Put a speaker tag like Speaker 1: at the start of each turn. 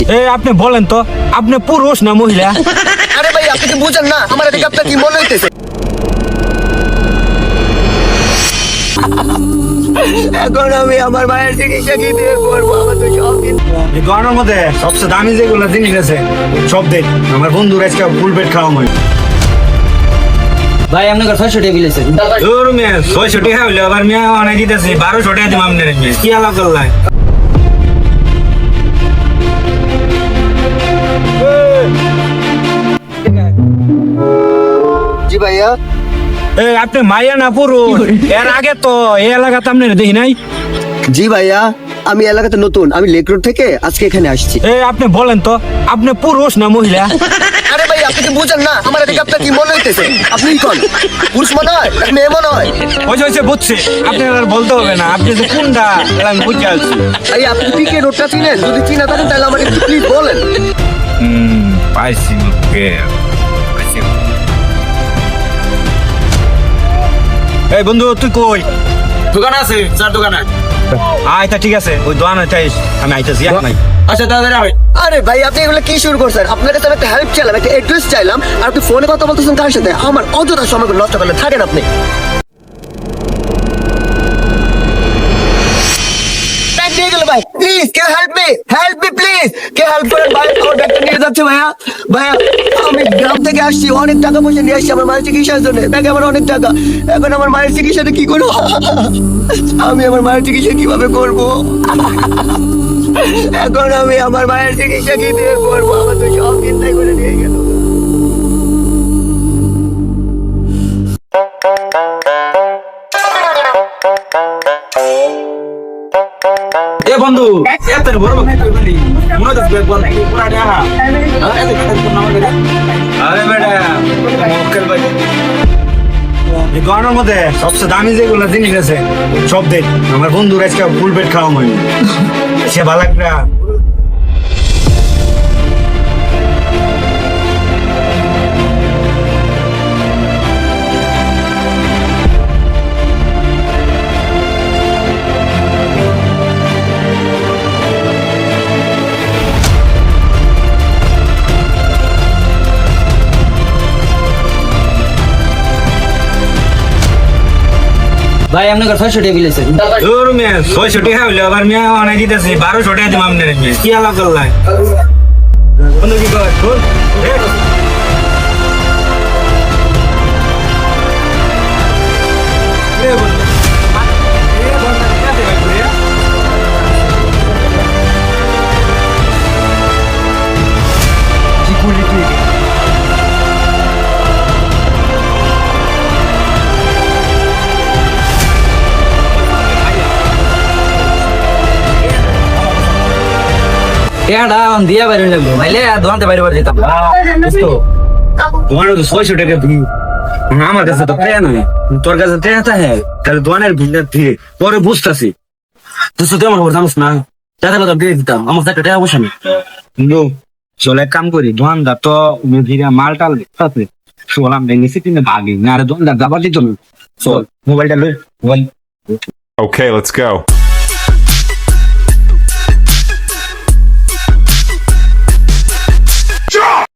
Speaker 1: আপনি বলেন তো, আপনি পুরুষ না মহিলা?
Speaker 2: আরে ভাই আপনি কি বুঝেন না আমার এদিকে আপনার কি মনে হইতেছে? এখন আমি আমার মায়ের চিকিৎসা কি দিয়ে করবো? আমার তো সব
Speaker 1: এই গয়নার মধ্যে সবচেয়ে দামি যেগুলো জিনিস আছে সব দেখ। আমার বন্ধুরা আজকে ফুল পেট খাওয়া হয়।
Speaker 3: ভাই আপনার 600 টাকা বিল আছে।
Speaker 1: তোর মেয়ে 600 টাকা হইলে আবার মেয়ে অনেক দিতেছি 1200 টাকা দিম আপনার মেয়ে। কি আলাপ করলাই?
Speaker 2: জি ভাইয়া।
Speaker 1: আপনি মাইয়া না পুরুষ? এর আগে তো এই এলাকাতে আপনি দেখি নাই।
Speaker 2: জি ভাইয়া, আমি এলাকাতে নতুন, আমি লেক রোড থেকে আজকে এখানে আসছি।
Speaker 1: আপনি বলেন তো, আপনি পুরুষ না মহিলা?
Speaker 2: আরে ভাই আপনি কি বুঝেন না আমার এদিকে আপনার কি মনে হইতেছে? আপনি কোন পুরুষ মনে হয় না মেয়ে মনে হয়?
Speaker 1: হয়েছে বুঝছি, আপনি আর বলতে হবে না, আপনি যে কোনটা আমি বুঝে আসছি।
Speaker 2: ভাই আপনি পিকে রোডটা চিনেন? যদি চিনা থাকেন তাহলে আমাকে একটু প্লিজ বলেন।
Speaker 1: পাইছি ওকে, পাইছি। এই বন্ধু তুই কই?
Speaker 3: দোকান আছে, চার দোকান আছে।
Speaker 1: আচ্ছা ঠিক আছে, ওই দোকানে চাইস, আমি আইতাছি। নাই
Speaker 3: আচ্ছা তাড়াতাড়ি আয়।
Speaker 2: আরে ভাই আপনি এগুলো কি শুরু করছেন? আপনার কাছে আমি একটা হেল্প চাইলাম, একটা অ্যাড্রেস চাইলাম, আর আপনি ফোনে কথা বলতেছেন কার সাথে? আমার অযথা সময় নষ্ট করলে থাকেন আপনি। নিয়ে গেল ভাই, প্লিজ কে হেল্প মি প্লিজ, কে হেল্প করেন ভাই, আমার ব্যাগটা নিয়ে যাচ্ছে ভাইয়া। ভাইয়া আমি গ্রাম থেকে আসছি, অনেক টাকা পয়সা নিয়ে আসছি আমার মায়ের চিকিৎসার জন্য, ব্যাগে আমার অনেক টাকা। এখন আমার মায়ের চিকিৎসাটা কি করবো? আমি আমার মায়ের চিকিৎসা কিভাবে করবো? এখন আমি আমার মায়ের চিকিৎসা কি দিয়ে করবো? আমার তো সব চিন্তাই করে নিয়ে গেল।
Speaker 3: এ বন্ধু এত বড় বলি মনে তো ব্যাগ বল পুরা দেয়া না এত কথা তো না বলে।
Speaker 1: আরে বেটা মক্কেল ভাই, এই গয়নার মধ্যে সবচেয়ে দামি যেগুলো জিনিস আছে সব দেখ। আমার বন্ধুরা আজকে ফুল পেট খাওয়া হয়। সে ভালো একটা
Speaker 3: ভাই আপনার 600 টাকা বিল আছে।
Speaker 1: তোর মেয়ে 600 টাকা হইলে আবার মেয়ে অনেক দিতেছি 1200 টাকা দিম আপনার মেয়ে। কি আলাপ করলাই? বন্ধু কি কর?
Speaker 3: টাকাটা দিয়া বাইরে লাগবে ভাইলে দোকানতে বাইরে বাইরে যেতাম।
Speaker 1: তোমার তো 600 টাকা দিই, আমার কাছে তো টাকা নাই। তোর কাছে টাকা হ্যাঁ, তাহলে দোকানের ভিড় দিয়ে পরে বুঝতেছি।
Speaker 3: তুই শুধু আমার ঘর জানিস না, টাকা তো দিয়ে দিতাম, আমার একটা টাকা পয়সা নেই।
Speaker 1: কিন্তু চলে এক কাম করি, দোকানদার তো মেঘিরা মাল টাল আছে, শোলাম ভেঙেছি কিন্তু ভাগি না। আরে দোকানদার যাবার দিত না, চল মোবাইলটা লই মোবাইল।
Speaker 4: Okay, let's go.